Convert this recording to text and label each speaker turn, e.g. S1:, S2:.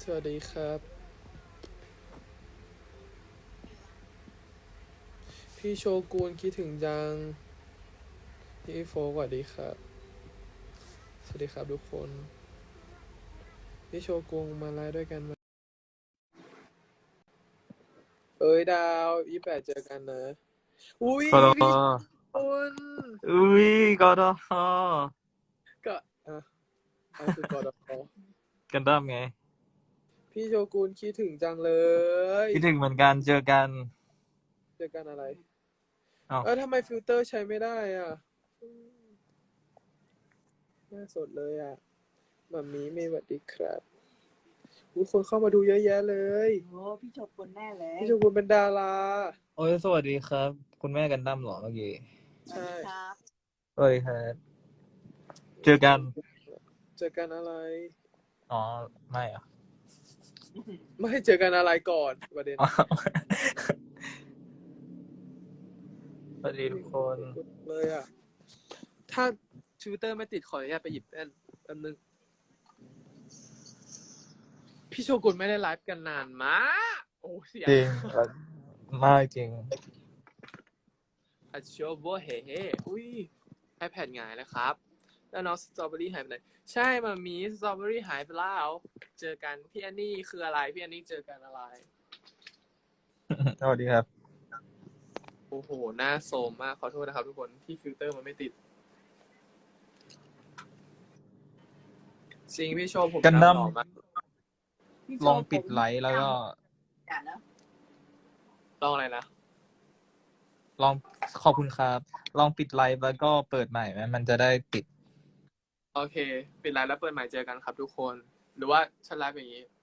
S1: สวัสดีครับพี่โชกุนคิดถึงจังพี่โฟกสวัสดีครับสวัสดีครับทุกคนพี่โชกุนมาไลฟ์ด้วยกันไหมเอ้ยดาว28เจอกันนะอุ้ย
S2: กด
S1: พี่โชกุน
S2: อุ้ยกด
S1: ก็อะไรคือกอดอ
S2: กันดั้มไง
S1: พี่โชกุนคิดถึงจังเลย
S2: คิดถึงเหมือนกันเจอกัน
S1: เจอกันอะไร
S2: อ้าว
S1: ทำไมฟิลเตอร์ใช้ไม่ได้อ่ะน่าสดเลยอ่ะมัมมี่เมย์สวัสดีครับคนเข้ามาดูเยอะแยะเลย
S3: โอ้พี่โชกุนแน่เลย
S1: พี่โชกุนเป็นดารา
S2: โอ้ยสวัสดีครับคุณแม่กันดั้มเหรอเมื่อกี้
S3: สวัสดีครับ
S2: สวัสดีครับเจอกัน
S1: เจอกันอะไร
S2: อ๋อไม่เหรอ
S1: ไม่เจอกันอะไรก่อนประเด็น
S2: อ๋อสวัสดีทุกคน
S1: เลยอ่ะถ้าทวิตเตอร์ไม่ติดขออนุญาตไปหยิบแป๊บนึงพี่โชกุนไม่ได้ไลฟ์กันนานมากโอ้เสีย
S2: จริงมากจริง
S1: อัชโชโบเฮ่เฮ่อุ้ย iPad หงายแล้วครับแล้วน้องสตรอเบอรี่หายไปไหนใช่มามีสตรอเบอรี่หายไปแล้วเจอกันพี่แอนนี่คืออะไรพี่แอนนี่เจอกันอะไร
S2: สวัสดีครับ
S1: โอ้โหหน้าโซมมากขอโทษนะครับทุกคนที่ฟิลเตอร์มันไม่ติดจริงพี่โชว์ผม
S2: กันดั้ม
S1: หล่อมาก
S3: พี่โช
S2: ลองปิดไลท์แล้วก็
S3: อย่านะ
S1: ลองอะไรนะ
S2: ลองขอบคุณครับลองปิดไลท์แล้วก็เปิดใหม่ไหมมันจะได้ติด
S1: โอเคปิดไลน์แล้วเปิดใหม่เจอกันครับทุกคนหรือว่าฉันไลฟ์อย่างนี้